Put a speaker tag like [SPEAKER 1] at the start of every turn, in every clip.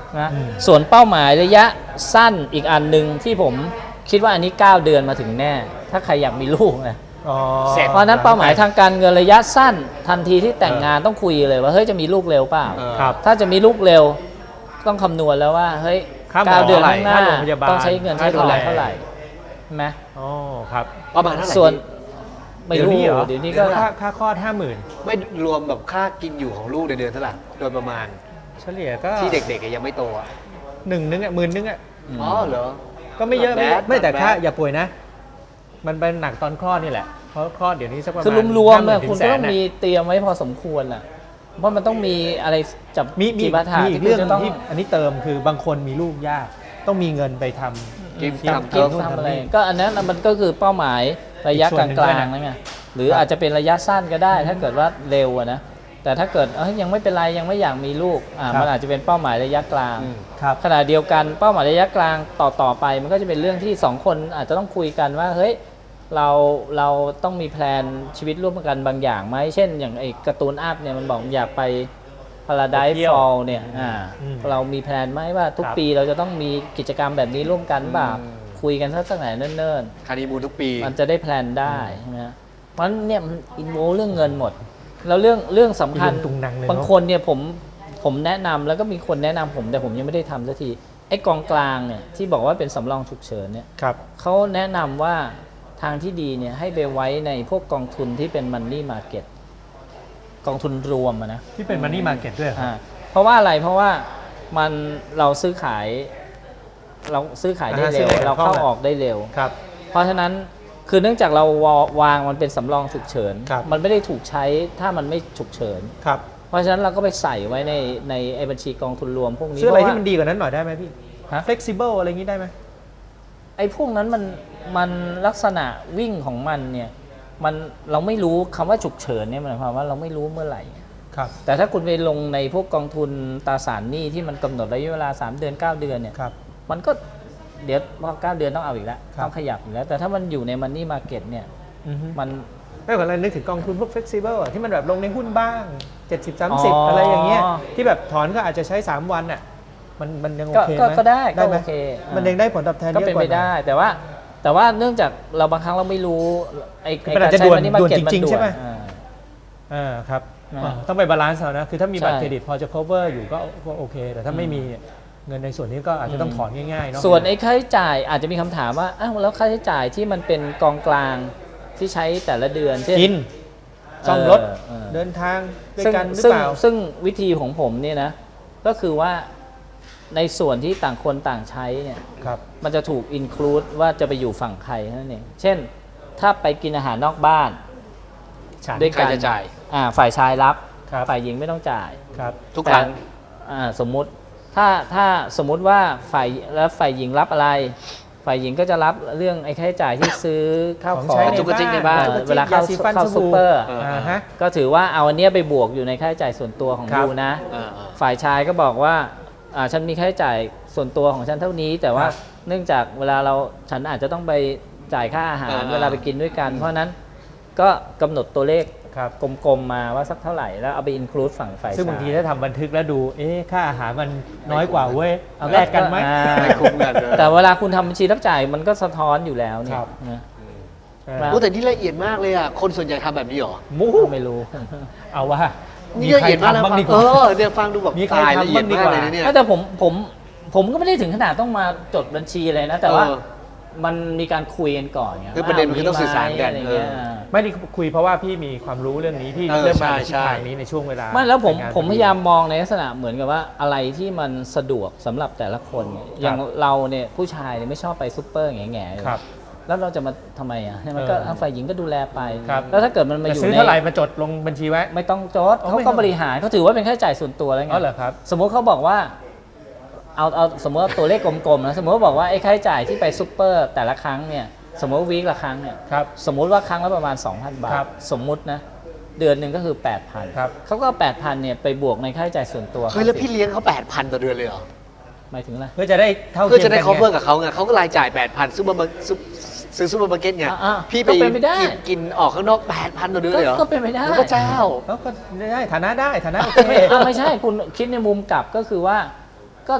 [SPEAKER 1] นะส่วนเป้าหมายระยะสั้นอีกอันหนึ่งที่ผมคิดว่าอันนี้9 เดือนมาถึงแน่ ถ้าใครอยากมีลูกนะเพราะนั้นเป้าหมายทางการเงินระยะสั้นทันทีที่แต่งงานต้องคุยเลยว่าเฮ้ยจะมีลูกเร็วเปล่าถ้าจะมีลูกเร็วต้องคำนวณแล้วว่าเฮ้ย9 เดือนข้างหน้าต้องใช้เงินใช้ทองเท่าไหร่ใช่ไหม
[SPEAKER 2] อ๋อครับ
[SPEAKER 3] ประมาณเท่าไหร่
[SPEAKER 1] ส่วนไม่รู้เดี๋ยวนี้ก็
[SPEAKER 2] ค่าคลอด50,000
[SPEAKER 3] ไม่รวมแบบค่ากินอยู่ของลูกในเดือนเท่าไหร่โดยประมาณ
[SPEAKER 2] เฉลี่ยก็
[SPEAKER 3] ที่เด็กๆยังไม่โตอ่ะ
[SPEAKER 2] 10,000อ่ะ10,000อ่ะ
[SPEAKER 3] อ๋อเหรอ
[SPEAKER 2] ก็ไม่เยอะไม่แต่ค่าอย่าป่วยนะมันเป็นหนักตอนคลอดนี่แหละเพราะคลอดเดี๋ยวนี้สักประมาณ
[SPEAKER 1] คือรวมๆคุณก็ต้องมีเตรียมไว้พอสมควรอ่ะเพราะมันต้องมีอะไรจับ
[SPEAKER 2] มี
[SPEAKER 1] ปัญหา
[SPEAKER 2] ที่เรื่องที่อันนี้เติมคือบางคนมีลูกยากต้องมีเงินไปทำ
[SPEAKER 1] กินทำอะไรก็อันนั้นมันก็คือเป้าหมายระยะกลางๆนั่นไงหรืออาจจะเป็นระยะสั้นก็ได้ถ้าเกิดว่าเร็วนะแต่ถ้าเกิดยังไม่เป็นไรยังไม่อยากมีลูกมันอาจจะเป็นเป้าหมายระยะกลางขณะเดียวกันเป้าหมายระยะกลางต่อไปมันก็จะเป็นเรื่องที่2 คนอาจจะต้องคุยกันว่าเฮ้ยเราต้องมีแพลนชีวิตร่วมกันบางอย่างไหมเช่นอย่างไอ้การ์ตูนอัพเนี่ยมันบอกอยากไป Paradise Fall เนี่ยเรามีแพลนไหมว่าทุกปีเราจะต้องมีกิจกรรมแบบนี้ร่วมกันแบบคุยกันตั้งแต่เนิ่น
[SPEAKER 3] ๆฮันนีมูนทุกปี
[SPEAKER 1] มันจะได้แพลนได้ใช่ไหมเพราะเนี่ยมันอินโวเรื่องเงินหมดแล้วเรื่องสำคัญบางคนเนี่ยผมแนะนำแล้วก็มีคนแนะนำผมแต่ผมยังไม่ได้ทำสักทีไอ้กองกลางเนี่ยที่บอกว่าเป็นสำรองฉุกเฉินเนี่ยเขาแนะนำว่าทางที่ดีเนี่ยให้ไปไว้ในพวกกองทุนที่เป็นมันนี่มาร์เก็ตกองทุนรวมนะ
[SPEAKER 2] ที่เป็นมันนี่มาร์เก็ตด้วย
[SPEAKER 1] เพราะว่าอะไรเพราะว่าเราซื้อขายได้เร็วเราเข้าออกได้เร็วเพราะฉะนั้นคือเนื่องจากเราวางมันเป็นสำรองฉุกเฉินมันไม่ได้ถูกใช้ถ้ามันไม่ฉุกเฉินเพราะฉะนั้นเราก็ไปใส่ไว้ในบัญชีกองทุนรวมพวกนี้
[SPEAKER 2] ซื้ออะไรที่มันดีกว่านั้นหน่อยได้ไหมพี่ flexible อะไรอย่างนี้ได้ไหม
[SPEAKER 1] ไอ้พวกนั้นมันลักษณะวิ่งของมันเนี่ยเราไม่รู้คำว่าฉุกเฉินเนี่ยหมายความว่าเราไม่รู้เมื่อไหร่แต่ถ้าคุณไปลงในพวกกองทุนตราสารหนี้ที่มันกำหนดระยะเวลา3 เดือน 9 เดือนเนี่ยมันก็เดี๋ยวพอ9 เดือนต้องเอาอีกแล้วต้องขยับอีกแล้วแต่ถ้ามันอยู่ในมันนี่มาร์เก็ตเนี่ยมัน
[SPEAKER 2] ไม่เหมือนเรานึกถึงกองทุนพวก flexible ที่มันแบบลงในหุ้นบ้าง70-30อะไรอย่างเงี้ยที่แบบถอนก็อาจจะใช้3 วันอ่ะมันยังโอเคไหม
[SPEAKER 1] ก็ได้ก็โอเค
[SPEAKER 2] มันยังได้ผลตอบแทนเยอะกว่า
[SPEAKER 1] ก็เป็นไปได้แต่ว่าเนื่องจากเราบางครั้งเราไม่รู้ไอ้
[SPEAKER 2] การใช้มันนี่มาร์เก็ตมันด่วนใช่ไหมครับต้องไปบาลานซ์เอานะคือถ้ามีบัตรเครดิตพอจะ cover อยู่ก็โอเคแต่ถ้าไม่มีเงินในส่วนนี้ก็อาจจะต้องถอนง่ายๆเนาะ
[SPEAKER 1] ส่วนไอ้ค่าใช้จ่ายอาจจะมีคำถามว่าแล้วค่าใช้จ่ายที่มันเป็นกองกลางที่ใช้แต่ละเดือนเช่น
[SPEAKER 2] กินซ่อมรถเดินทางด้วยกันหรือเปล่า
[SPEAKER 1] ซึ่งวิธีของผมเนี่ยนะก็คือว่าในส่วนที่ต่างคนต่างใช้เนี่ยมันจะถูกอินคลูดว่าจะไปอยู่ฝั่งใครนั่นเองเช่นถ้าไปกินอาหารนอกบ้าน
[SPEAKER 3] ด้วยการจะจ่าย
[SPEAKER 1] ฝ่ายชายรับฝ่ายหญิงไม่ต้องจ่าย
[SPEAKER 3] ทุกครั้ง
[SPEAKER 1] สมมุติถ้าสมมุติว่าฝ่ายหญิงรับอะไรฝ่ายหญิงก็จะรับเรื่องไอ้ค่าใช้จ่ายที่ซื้อข้าวของ
[SPEAKER 3] จุกจิกในบ้าน
[SPEAKER 1] เวลาเข้าซุปเปอร์ก็ถือว่าเอาอันนี้ไปบวกอยู่ในค่าใช้จ่ายส่วนตัวของยูนะฝ่ายชายก็บอกว่าฉันมีค่าใช้จ่ายส่วนตัวของฉันเท่านี้แต่ว่าเนื่องจากเวลาฉันอาจจะต้องไปจ่ายค่าอาหารเวลาไปกินด้วยกันเพราะนั้นก็กำหนดตัวเลขกลมๆมาว่าสักเท่าไหร่แล้วเอาไปอินคลูดฝั่งฝ่ายชาย
[SPEAKER 2] ซึ่งบางทีถ้าทำบันทึกแล้วดูค่าอาหารมันน้อยกว่าเว้ยเอาแลกกันไหม
[SPEAKER 3] ไม่คุ้มกัน
[SPEAKER 1] แต่เวลาคุณทำบัญชีรับจ่ายมันก็สะท้อนอยู่แล้วเนี่ย
[SPEAKER 3] แต่นี่ละเอียดมากเลยอ่ะคนส่วนใหญ่ทำแบบนี้หรอ
[SPEAKER 1] ไม่รู้
[SPEAKER 2] เอาว่า
[SPEAKER 3] นี่ละเอียดมากแล้วเนี่ยฟังดูแบบ
[SPEAKER 2] ตายละเอียดมากเลย
[SPEAKER 1] เนี่ยแต่ผมก็ไม่ได้ถึงขนาดต้องมาจดบัญชีเลยนะแต่ว่ามันมีการคุยกันก่อน
[SPEAKER 3] คือประเด็นมันคือต้องสื่อสารกัน
[SPEAKER 2] ไม่ได้คุยเพราะว่าพี่มีความรู้เรื่องนี้พี่เริ่มมาในทางนี้ในช่วงเวลา
[SPEAKER 1] ไม่แล้วผมพยายามมองในลักษณะเหมือนกับว่าอะไรที่มันสะดวกสำหรับแต่ละคนอย่างเราเนี่ยผู้ชายเนี่ยไม่ชอบไปซุปเปอร์แง่ๆแล้วเราจะมาทำไมมันก็ฝ่ายหญิงก็ดูแลไปแล้วถ้าเกิดมันมาอยู่ใน
[SPEAKER 2] ซื้อเท่าไหร่มาจดลงบัญชีไว้
[SPEAKER 1] ไม่ต้องจดเขาก็บริหารเขาถือว่าเป็นค่าใช้จ่ายส่วนตัวแล้วไงสมมติเขาบอกว่าเอาสมมติว่าตัวเลขกลมๆนะสมมติว่าบอกว่าไอ้ค่าใช้จ่ายที่ไปซุปเปอร์แต่ละครั้งเนี่ยสมมติวีคละครั้งเนี่ยสมมุติว่าครั้งละประมาณ 2,000 บาทสมมุตินะเดือนหนึ่งก็คือ 8,000 เขาก็ 8,000 เนี่ยไปบวกในค่าใช้จ่ายส่วนตัว
[SPEAKER 3] แล้วพี่เลี้ยงเขา 8,000 ต่อเดือนเลยเหรอ
[SPEAKER 1] หมายถึงอะไร
[SPEAKER 2] เพื่อจะได้เท่า
[SPEAKER 3] เพื่อจะได้ cover กับเขาไงเขาก็รายจ่าย 8,000 ซื้อซูเปอร์มาร์เก็ตไงพี่ไปกินออกข้างนอก 8,000 ต่อเดือนเลยเหรอ
[SPEAKER 1] ก็เป็นไปได้
[SPEAKER 3] พระเจ้า
[SPEAKER 2] ก็ได้ฐานะโอเค
[SPEAKER 1] ไม่ใช่คุณคิดในมุมกลับก็คือว่าก็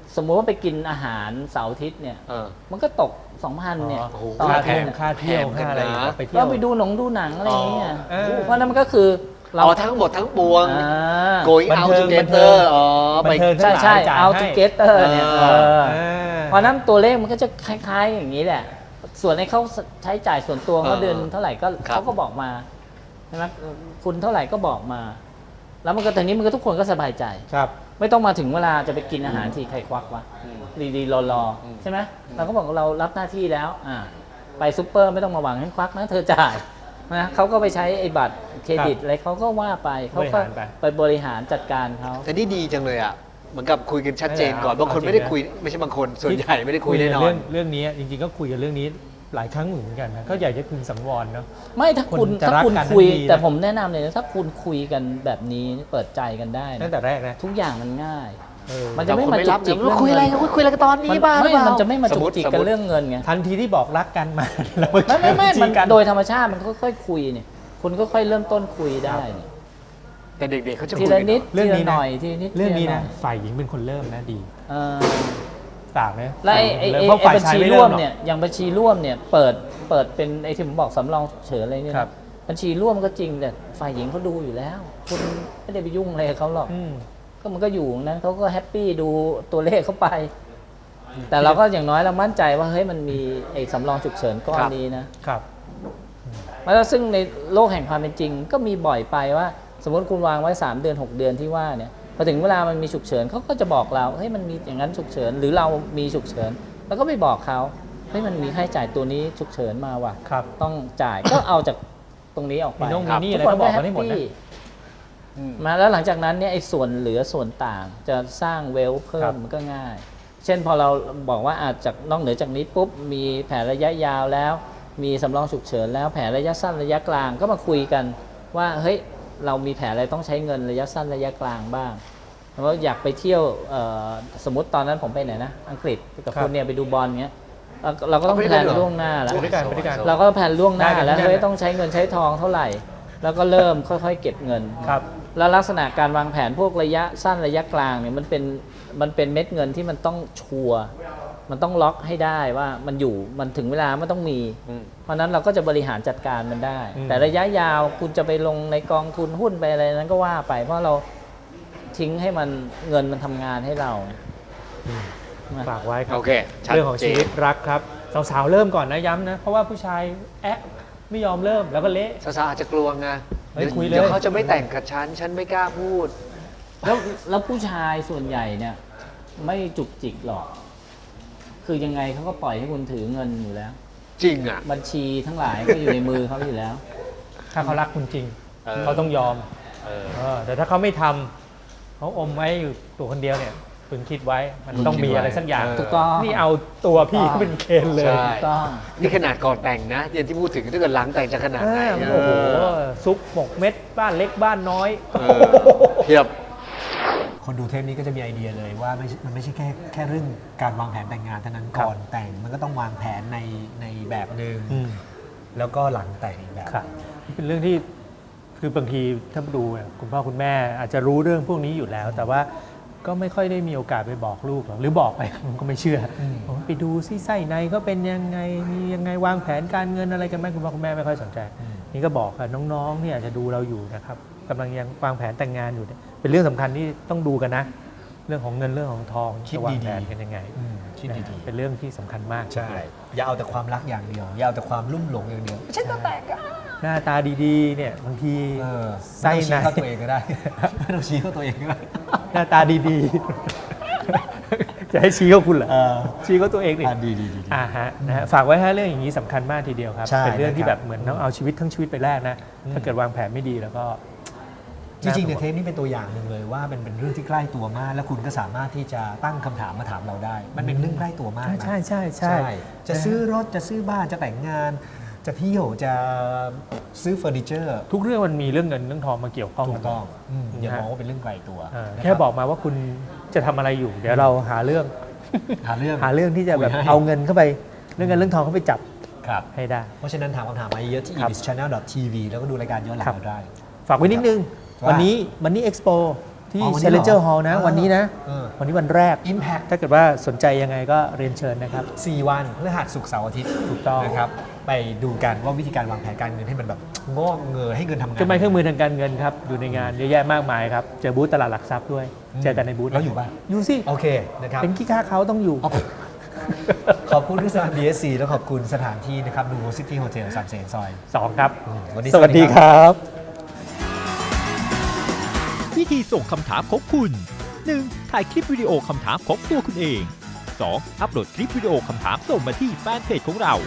[SPEAKER 1] สมมุติว่าไปกินอาหารเสาร์อาทิตย์เนี่ย มันก็ตก 2,000 เนี่ย
[SPEAKER 3] โอ้โห
[SPEAKER 1] ต่อ
[SPEAKER 2] ค่า
[SPEAKER 1] อา
[SPEAKER 2] เที่
[SPEAKER 1] ทิ
[SPEAKER 2] ย
[SPEAKER 1] ต
[SPEAKER 2] ว
[SPEAKER 1] ย์
[SPEAKER 2] ค่าเที่ยวค่าอะไร
[SPEAKER 3] แพงกันนะ
[SPEAKER 2] ไปเที่ย
[SPEAKER 1] เรา
[SPEAKER 2] ว
[SPEAKER 1] ไปดูหนังอะไรอย่างเงี้ย
[SPEAKER 2] อ๋อ
[SPEAKER 1] เพราะนั้นมันก็คือเรา
[SPEAKER 3] เอาทั้งหมดทั้งปวง
[SPEAKER 1] อ่า
[SPEAKER 3] going
[SPEAKER 2] บัน
[SPEAKER 3] out
[SPEAKER 2] เทิง
[SPEAKER 3] together อ๋อ
[SPEAKER 2] บั
[SPEAKER 3] ไป
[SPEAKER 2] นเทิง
[SPEAKER 1] ใช่ใช่
[SPEAKER 2] จ่าย
[SPEAKER 1] เอา
[SPEAKER 2] ให้
[SPEAKER 1] ทูเกเตอร์เนี่ย
[SPEAKER 3] เออ
[SPEAKER 1] เพราะนั้นตัวเลขมันก็จะคล้ายๆอย่างนี้แหละ ส่วนในเขาใช้จ่ายส่วนตัวเขาเดือนเท่าไหร่ก็
[SPEAKER 3] ครับ
[SPEAKER 1] เขาก็บอกมาใช่ไหมคุณเท่าไหร่ก็บอกมา แล้วมันก็ตอนนี้มันก็ทุกคนก็สบายใจ
[SPEAKER 2] ครับ
[SPEAKER 1] ไม่ต้องมาถึงเวลาจะไปกินอาหารที่ใครควักวะดีๆรอๆใช่ไหมเราก็บอกว่าเรารับหน้าที่แล้วไปซุปเปอร์ไม่ต้องมาหวังให้ควักนะเธอจ่ายนะเขาก็ไปใช้ไอ้บัตรเครดิตอะไรเขาก็ว่าไปเขาก็ไปบริหารจัดการเขา
[SPEAKER 3] แต่นี่ดีจังเลยอ่ะเหมือนกับคุยกันชัดเจนก่อนบางคนไม่ได้คุยไม่ใช่บางคนส่วนใหญ่ไม่ได้คุยแน่นอน
[SPEAKER 2] เรื่องนี้จริงๆก็คุยกันเรื่องนี้หลายครั้งเหมือนกันนะก็อยากจะพึงสังวรเนาะ
[SPEAKER 1] ไม่ถ้าคุณ
[SPEAKER 2] คนจะรักกัน
[SPEAKER 1] คุย
[SPEAKER 2] ทั้งทีนะ
[SPEAKER 1] แต่ผมแนะนำเลยนะถ้าคุณคุยกันแบบนี้เปิดใจกันได้
[SPEAKER 2] ตั้ง
[SPEAKER 1] นะ
[SPEAKER 2] แต่แรกนะ
[SPEAKER 1] ทุกอย่างมันง่าย
[SPEAKER 2] เออ
[SPEAKER 1] มันจะไม่มาจุกจิก
[SPEAKER 3] แต่คนไม่รับคุยอะไรกันคุยอะไรกันตอนนี้บ้าหรือเปล่า
[SPEAKER 1] มันจะไม่มาจุกจิก
[SPEAKER 3] สม
[SPEAKER 1] กัน
[SPEAKER 3] มุติ
[SPEAKER 1] เรื่องเงินไง
[SPEAKER 2] ทันทีที่บอกรักกันมาแล้ว
[SPEAKER 1] ไม่
[SPEAKER 2] จริ
[SPEAKER 1] มัน
[SPEAKER 2] งกัน
[SPEAKER 1] โดยธรรมชาติมันค่อยๆคุยเนี่ยคุณก็ค่อยเริ่มต้นคุยได้เนี่ย
[SPEAKER 3] แต่เด็กๆเขาจะ
[SPEAKER 1] ที
[SPEAKER 3] คุย
[SPEAKER 1] ละ
[SPEAKER 3] กัน
[SPEAKER 1] นิด
[SPEAKER 2] เรื่อง
[SPEAKER 1] ที
[SPEAKER 2] นี้
[SPEAKER 1] ละ
[SPEAKER 2] นะ
[SPEAKER 1] หน่อยทีละนิด
[SPEAKER 2] เรื่องนี้
[SPEAKER 1] ทีละห
[SPEAKER 2] นะ
[SPEAKER 1] ย
[SPEAKER 2] ฝ่ายหญิงเป็นคนเริ่มนะดี
[SPEAKER 1] เออ
[SPEAKER 2] ต่างไหม
[SPEAKER 1] แล้วไอ้
[SPEAKER 2] เพราะฝ่าย
[SPEAKER 1] บัญ
[SPEAKER 2] ชาย
[SPEAKER 1] ชี
[SPEAKER 2] ไม่
[SPEAKER 1] ร่
[SPEAKER 2] เริ่
[SPEAKER 1] ว
[SPEAKER 2] ม
[SPEAKER 1] ม
[SPEAKER 2] หรอก
[SPEAKER 1] เนี่ยอย่างบัญชีร่วมเนี่ยเปิดเป็นไอ้ที่ผมบอกสำรองฉุกเฉินอะไรเนี่ย
[SPEAKER 2] ครับ
[SPEAKER 1] บัญชีร่วมก็จริงแต่ฝ่ายหญิงเขาดูอยู่แล้ว คุณไม่ได้ไปยุ่งอะไรกับเขาหรอก
[SPEAKER 2] อืม
[SPEAKER 1] ก็มันก็อยู่นั้นเขาก็แฮปปี้ดูตัวเลขเข้าไป แต่เราก็อย่างน้อยเรามั่นใจว่าเฮ้ยมันมีไอ้สำรองฉุกเฉินก้อนนี้นะครับ แล้วซึ่งในโลกแห่งความเป็นจริง ก็มีบ่อยไปว่า สมมติคุณวางไว้3 เดือน 6 เดือนที่ว่าเนี่ยพอถึงเวลามันมีฉุกเฉินเขาก็จะบอกเราเฮ้ยมันมีอย่างนั้นฉุกเฉินหรือเรามีฉุกเฉินแล้วก็ไปบอกเขาเฮ้ยมันมีค่าใช้จ่ายตัวนี้ฉุกเฉินมาว่ะ
[SPEAKER 2] ครับ
[SPEAKER 1] ต้องจ่าย ก็เอาจากตรงนี้ออกไป
[SPEAKER 2] มีน้อง
[SPEAKER 1] ครับ
[SPEAKER 2] มีนี่
[SPEAKER 1] ทุ
[SPEAKER 2] อะไร
[SPEAKER 1] คน
[SPEAKER 2] ก็บอกมาให้หมดนะ
[SPEAKER 1] แฮปปี้มาแล้วหลังจากนั้นเนี่ยไอ้ส่วนเหลือส่วนต่างจะสร้างเวลเพิ่
[SPEAKER 2] ครั
[SPEAKER 1] ม
[SPEAKER 2] บ
[SPEAKER 1] มันก็ง่าย เช่นพอเราบอกว่าอาจจากนอกเหนือจากนี้ปุ๊บมีแผนระยะยาวแล้ว มีสำรองฉุกเฉินแล้วแผนระยะสั้นระยะกลางก็มาคุยกันว่าเฮ้ยเรามีแผนอะไรต้องใช้เงินระยะสั้นระยะกลางบ้างเพราะอยากไปเที่ยวสมมติตอนนั้นผมไปไหนนะอังกฤษกับ
[SPEAKER 2] ครับ
[SPEAKER 1] คุณเนี่ยไปดูบอลเงี้ยเราก็ต้องแพลนล่วงหน้าแล้ว
[SPEAKER 2] ไปด้วยกันไปด้วยกัน
[SPEAKER 1] เราก็แผนล่วงหน้า
[SPEAKER 2] ได้กัน
[SPEAKER 1] แล้ว
[SPEAKER 2] ได้
[SPEAKER 1] เฮ้ย
[SPEAKER 2] กัน
[SPEAKER 1] ต้องใช้เงินใช้ทองเท่าไหร่ แล้วก็เริ่มค่อยๆเก็บเงิน
[SPEAKER 2] ครับ
[SPEAKER 1] แล้วลักษณะการวางแผนพวกระยะสั้นระยะกลางเนี่ยมันเป็นเม็ดเงินที่มันต้องชัวร์มันต้องล็อกให้ได้ว่ามันอยู่มันถึงเวลามันต้องมี เพราะฉะนั้นเราก็จะบริหารจัดการมันได้
[SPEAKER 2] อืม
[SPEAKER 1] แต่ระยะยาวคุณจะไปลงในกองทุนหุ้นไปอะไรนั้นก็ว่าไป เพราะเราทิ้งให้มันเงินมันทำงานให้เรา
[SPEAKER 2] ฝากไว้ครั
[SPEAKER 3] โอบ เคชัด
[SPEAKER 2] เรื่องของ
[SPEAKER 3] เจ
[SPEAKER 2] ชี
[SPEAKER 3] น
[SPEAKER 2] วิตรักครับสาวๆเริ่มก่อนนะย้ำนะ เพราะว่าผู้ชายแอะไม่ยอมเริ่มแล้วก็เละ
[SPEAKER 3] สาวๆอาจจะกลัวไง
[SPEAKER 2] เฮ้ยคุยเลย
[SPEAKER 3] เดี๋ยวเขาจะไม่แต่งกับฉันไม่กล้าพูด
[SPEAKER 1] แล้วผู้ชายส่วนใหญ่เนี่ยไม่จุกจิกหรอก คือยังไงเขาก็ปล่อยให้คุณถือเงินอยู่แล้ว
[SPEAKER 3] จริงอ่ะ
[SPEAKER 1] บัญชีทั้งหลายก็อยู่ในมือเขาอยู่แล้ว
[SPEAKER 2] ถ้าเขารักคุณจริง
[SPEAKER 3] เออ
[SPEAKER 2] เขาต้องยอม
[SPEAKER 3] เออ
[SPEAKER 2] แต่ถ้าเขาไม่ทำเขาอมไว้อยู่ตัวคนเดียวเนี่ยพึงคิดไว้มันต้องมีอะไรสักอย่าง
[SPEAKER 3] เออ
[SPEAKER 1] ถูกต้อง
[SPEAKER 2] นี่เอาตัวพี่เขาเป็นเคนเลย
[SPEAKER 3] ใช่
[SPEAKER 1] ถูกต้อง
[SPEAKER 3] นี่ขนาดก่อนแต่งนะอย่างที่พูดถึงถ้าเกิดหลังแต่งจะขนาดไหน
[SPEAKER 2] โอ้โหซุปหมกเม็ดบ้านเล็กบ้านน้อย
[SPEAKER 3] เออเทียบ
[SPEAKER 4] คนดูเทปนี้ก็จะมีไอเดียเลยว่ามันไม่ใช่แค่เรื่องการวางแผนแต่งงานเท่านั้น
[SPEAKER 2] ครับ
[SPEAKER 4] ก่อนแต่งมันก็ต้องวางแผนในแบบหนึ่ง
[SPEAKER 2] อืม
[SPEAKER 4] แล้วก็หลังแต่งอีกแบบ
[SPEAKER 2] ครับเป็นเรื่องที่คือบางทีถ้าดูเนี่ยคุณพ่อคุณแม่อาจจะรู้เรื่องพวกนี้อยู่แล้ว แต่ว่าก็ไม่ค่อยได้มีโอกาสไปบอกลูกหรอกหรือบอกไป มันก็ไม่เชื่ออผมว่าไปดูซิไส้ในเขาเป็นยังไงมียังไงวางแผนการเงินอะไรกันไหมคุณพ่อคุณแม่ไม่ค่อยสนใจ นี่ก็บอกค่ะน้องๆที่อาจจะดูเราอยู่นะครับกำลังยังวางแผนแต่งงานอยู่เนี่ยเป็นเรื่องสำคัญที่ต้องดูกันนะ เรื่องของเงินเรื่องของทอง
[SPEAKER 4] คิด
[SPEAKER 2] จะวาง
[SPEAKER 4] ดีๆ
[SPEAKER 2] แผนกันยังไง
[SPEAKER 4] คิด
[SPEAKER 2] นะ
[SPEAKER 4] ดี
[SPEAKER 2] เป็นเรื่องที่สำคัญมาก
[SPEAKER 4] ๆใช่ อย่าเอาแต่ความรักอย่างเดียว อย่าเอาแต่ความลุ่มหลงอย่างเดียวฉันจะแต่งอะ
[SPEAKER 2] หน้าตาดีๆเนี่ยบางที ไส้
[SPEAKER 4] ไม่ต้องชี้
[SPEAKER 2] ใน
[SPEAKER 4] เข้าตัวเองก็ได้ ไม่ต้องชี้เข้าตัวเองก็ได้
[SPEAKER 2] หน้าตาดีๆ จะให้ชี้เขาคุณเหรอชี้เขาตัวเองดิ
[SPEAKER 4] ดี
[SPEAKER 2] ฮะนะฮะฝากไว้ให้เรื่องอย่างนี้สำคัญมากทีเดียวครับ
[SPEAKER 4] ใช่
[SPEAKER 2] เป็นเรื่องที่
[SPEAKER 4] นะครับ
[SPEAKER 2] แบบเหมือนต้องเอาชีวิตทั้งชีวิตไปแลกนะ ถ้าเกิดวางแผนไม่ดีแล้วก็
[SPEAKER 4] จริงๆเนี่ยเทปนี้เป็นตัวอย่างหนึ่งเลยว่ามันเป็นเรื่องที่ใกล้ตัวมาก แล้วคุณก็สามารถที่จะตั้งคำถามมาถามเราได้ มันเป็นเรื่องใกล้ตัวมากนะ
[SPEAKER 2] ใช่
[SPEAKER 4] จะซื้อรถจะซื้อบ้านจะแต่งงาน จะเที่ยวจะซื้อเฟอร์นิเจอร์
[SPEAKER 2] ทุกเรื่องมันมีเรื่องเงินเรื่องทองมาเกี่ยวข้อง
[SPEAKER 4] ถู
[SPEAKER 2] กัน
[SPEAKER 4] กต้องอย่า
[SPEAKER 2] นะฮะ
[SPEAKER 4] มองว่าเป็นเรื่องไกลตัว
[SPEAKER 2] แค่บอกมาว่าคุณจะทำอะไรอยู่ เดี๋ยวเราหาเรื่อง
[SPEAKER 4] หาเรื่อง
[SPEAKER 2] หาเรื่องที่จะแบบ
[SPEAKER 4] คุยให้
[SPEAKER 2] เอาเงินเข้าไปเรื่องเงินเรื่องทองเข้าไปจับ
[SPEAKER 4] ครับ
[SPEAKER 2] ให้ได้
[SPEAKER 4] เพราะฉะนั้นถามคำถามมาเยอะที่
[SPEAKER 2] ครับ
[SPEAKER 4] ibischannel.tv แล้วก็ดูรายการย้อนหลัง
[SPEAKER 2] ครับ
[SPEAKER 4] เราได้
[SPEAKER 2] ฝากไว้นิดนึง
[SPEAKER 4] ว่า
[SPEAKER 2] วันนี้Expo ที่
[SPEAKER 4] อ๋อวันนี้
[SPEAKER 2] Challenger
[SPEAKER 4] เหรอ
[SPEAKER 2] Hall นะ วันนี้นะ
[SPEAKER 4] เออ
[SPEAKER 2] วันนี้วันแรก
[SPEAKER 4] Impact
[SPEAKER 2] ถ้าเกิดว่าสนใจยังไงก็เรียนเชิญนะครับ
[SPEAKER 4] 4 วันพฤหัสศุกร์เสาร์อาทิตย์
[SPEAKER 2] ถูกต้อง
[SPEAKER 4] นะครับไปดูกันว่าวิธีการวางแผนการเงินให้มันแบบงอกเงยให้เงินทำงาน
[SPEAKER 2] เครื่องไม้เครื่องมือทางการเงินครับ อยู่ในงานเยอะแยะมากมายครับ เจอบูธตลาดหลักทรัพย์ด้วย เจอกันในบูธ
[SPEAKER 4] แล้วอยู่ป่ะ
[SPEAKER 2] อยู่สิ
[SPEAKER 4] โอเคนะครับ
[SPEAKER 2] เป็นขี้ข้าเขาต้องอยู่
[SPEAKER 4] ขอบคุณที่สถาน BSC และขอบคุณสถานที่นะครับ Nuvo City Hotel สามเสนซอย
[SPEAKER 2] 2 ครับ
[SPEAKER 4] วันนี้
[SPEAKER 2] สวัสดีครับ
[SPEAKER 5] วิธีส่งคำถามของคุณ 1. ถ่ายคลิปวิดีโอคำถามของตัวคุณเอง 2. อัปโหลดคลิปวิดีโอคำถามส่งมาที่แฟนเพจของเรา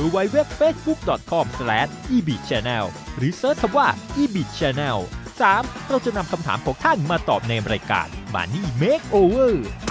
[SPEAKER 5] www.facebook.com/ebitchannel หรือเซิร์ชคำว่า ebitchannel 3. เราจะนำคำถามของท่านมาตอบในรายการ Money Makeover